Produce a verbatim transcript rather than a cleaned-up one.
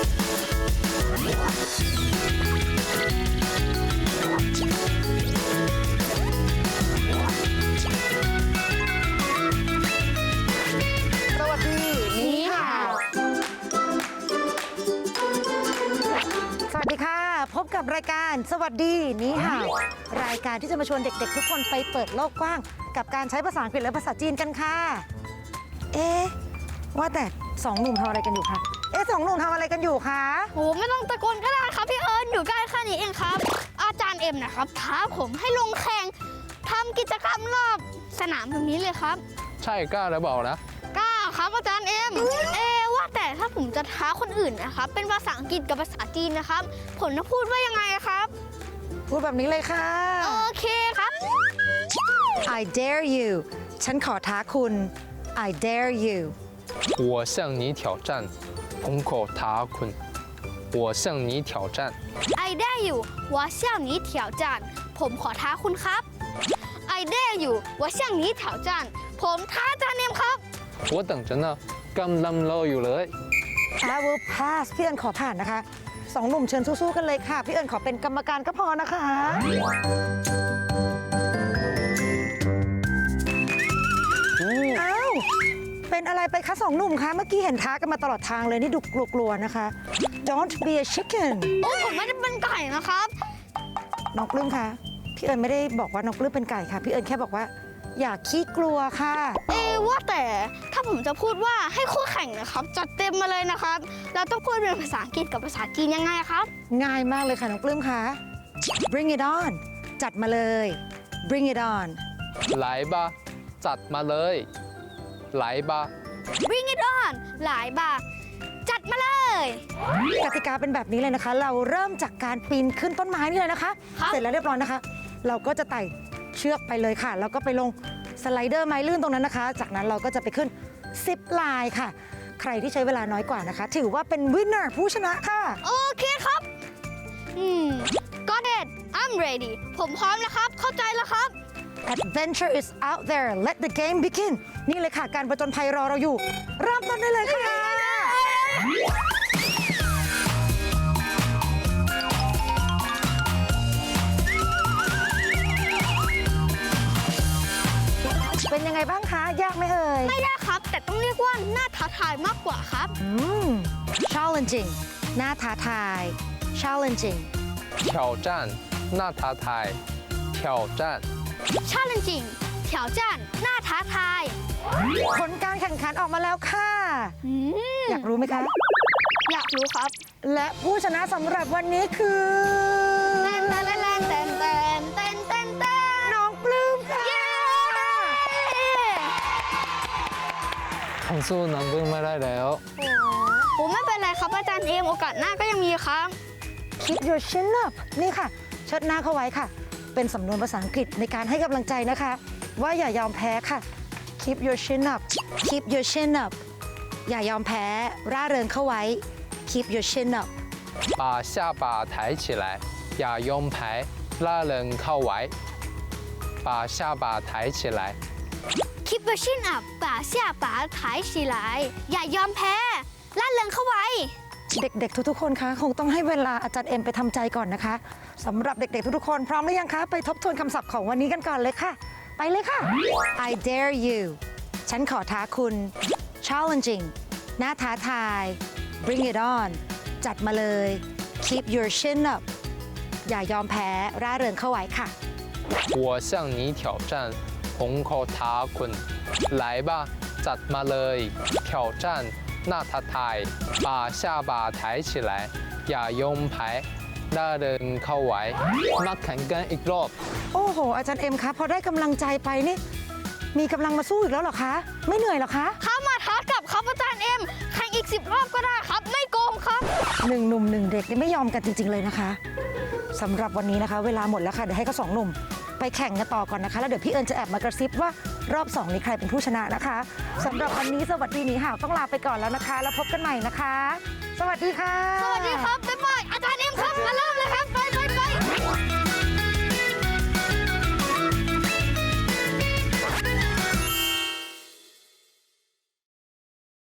พบกับรายการสวัสดีนี่ค่ะรายการที่จะมาชวนเด็กๆทุกคนไปเปิดโลกกว้างกับการใช้ภาษาอังกฤษและภาษาจีนกันค่ะเอ๊ะว่าแต่สองหนุ่มทำอะไรกันอยู่คะเอ๊ะสองหนุ่มทำอะไรกันอยู่คะโอ้ไม่ต้องตะโกนก็ได้ครับพี่เอิญอยู่ใกล้แค่นี้เองครับอาจารย์เอ็มนะครับท้าผมให้ลงแข่งทำกิจกรรมรอบสนามตรงนี้เลยครับใช่กล้าหรือเปล่านะกล้าครับอาจารย์เอ็มเอ๊ว่าแต่ถ้าผมจะท้าคนอื่นนะครับเป็นภาษาอังกฤษกับภาษาจีนนะครับผมจะพูดว่ายังไงครับพูดแบบนี้เลยค่ะโอเคครับ I dare you ฉันขอท้าคุณ I dare you 我向你挑战ผมขอท้าคุณ我向你挑战 I dare you 我向你挑战ผมขอท้าคุณครับ I dare you 我向你挑战ผมท้าอาจารย์เอ็มครับ我等着呢กำลังรออยู่เลย I will pass พี่เอิญขอผ่านนะคะสองหนุ่มเชิญสู้ๆกันเลยค่ะพี่เอิญขอเป็นกรรมการก็พอนะคะอ้าวเป็นอะไรไปคะสองหนุ่มคะเมื่อกี้เห็นท้ากันมาตลอดทางเลยนี่ดูกลัวๆนะคะ Don't be a chicken โอ้ผมไม่ได้เป็นไก่นะครับน้องปลื้มคะพี่เอิญไม่ได้บอกว่าน้องปลื้มเป็นไก่ค่ะพี่เอิญแค่บอกว่าอย่าขี้กลัวค่ะเอว่าแต่ถ้าผมจะพูดว่าให้คู่แข่งนะครับจัดเต็มมาเลยนะครับเราต้องพูดเป็นภาษาอังกฤษกับภาษาจีนยังไงครับง่ายมากเลยค่ะน้องปลื้มคะ Bring it on จัดมาเลย Bring it on ไหลบะจัดมาเลยไหลบะ Bring it on หลายบาจัดมาเลยกติกาเป็นแบบนี้เลยนะคะเราเริ่มจากการปีนขึ้นต้นไม้นี่เลยนะคะเสร็จแล้วเรียบร้อยนะคะเราก็จะไต่เชือกไปเลยค่ะแล้วก็ไปลงสไลเดอร์ไม้ลื่นตรงนั้นนะคะจากนั้นเราก็จะไปขึ้นซิปไลน์ค่ะใครที่ใช้เวลาน้อยกว่านะคะถือว่าเป็นวินเนอร์ผู้ชนะค่ะโอเคครับอืม got it I'm ready ผมพร้อมแล้วครับเข้าใจแล้วครับ Adventure is out there let the game begin นี่เลยค่ะการผจญภัยรอเราอยู่เริ่มต้นได้เลยค่ะเป็นยังไงบ้างคะยากไหมเอ่ยไม่ยากครับแต่ต้องเรียกว่าน่าท้าทายมากกว่าครับอืม challenging น่าท้าทาย challenging 挑战น่าท้าทาย挑战 challenging 挑战น่าท้าทายผลการแข่งขันออกมาแล้วค่ะอยากรู้ไหมคะอยากรู้ครับและผู้ชนะสำหรับวันนี้คือเต้นเต้นเต้นเต้นเต้นเต้นเต้นเต้นน้องปลื้มค่ะผมสู้น้องปลื้มไม่ได้แล้วโอ้ไม่เป็นไรครับอาจารย์เอ็มโอกาสหน้าก็ยังมีครับ Keep your chin up นี่ค่ะเชิดหน้าเข้าไว้ค่ะเป็นสำนวนภาษาอังกฤษในการให้กำลังใจนะคะว่าอย่ายอมแพ้ค่ะ Keep your chin up Keep your chin up อย่ายอมแพ้ร่าเริงเข้าไว้ Keep your chin up 把下巴抬起来อย่ายอมแพ้ร่าเริงเข้าไว้把下巴抬起来 Keep your chin up 把下巴抬起来อย่ายอมแพ้ล่าเริงเข้าไว้เด็กๆทุกๆคนคะคงต้องให้เวลาอาจารย์เอ็มไปทำใจก่อนนะคะสำหรับเด็กๆทุกๆคนพร้อมหรือยังคะไปทบทวนคำศัพท์ของวันนี้กันก่อนเลยค่ะไปเลยค่ะ I dare you ฉันขอท้าคุณ challenging น่าท้าทาย Bring it on จัดมาเลย Keep your chin up อย่ายอมแพ้ร่าเริงเข้าไว้ค่ะ我向你挑战ผมขอท้าคุณไหลบะจัดมาเลย挑战น่าท้าทาย把下巴抬起来อย่ายอมแพ้ร่าเริงเข้าไว้มาแข่งกันอีกรอบโอ้โหอาจารย์เอ็มคะพอได้กำลังใจไปนี่มีกำลังมาสู้อีกแล้วเหรอคะไม่เหนื่อยเหรอคะเข้ามาท้ากับครับอาจารย์เอ็มแข่งอีกสิบรอบก็ได้ครับไม่โกงครับหนึ่งหนุ่มหนึ่งเด็กนี่ไม่ยอมกันจริงๆเลยนะคะสำหรับวันนี้นะคะเวลาหมดแล้วค่ะเดี๋ยวให้ก็สองหนุ่มไปแข่งกันต่อก่อนนะคะแล้วเดี๋ยวพี่เอิญจะแอบมากระซิบว่ารอบสองนี้ใครเป็นผู้ชนะนะคะสำหรับวันนี้สวัสดีหนีห่าวต้องลาไปก่อนแล้วนะคะแล้วพบกันใหม่นะคะสวัสดีค่ะสวัสดีครับบ๊ายบายอาจารย์เอ็มครับมาเริ่มเลยครับไป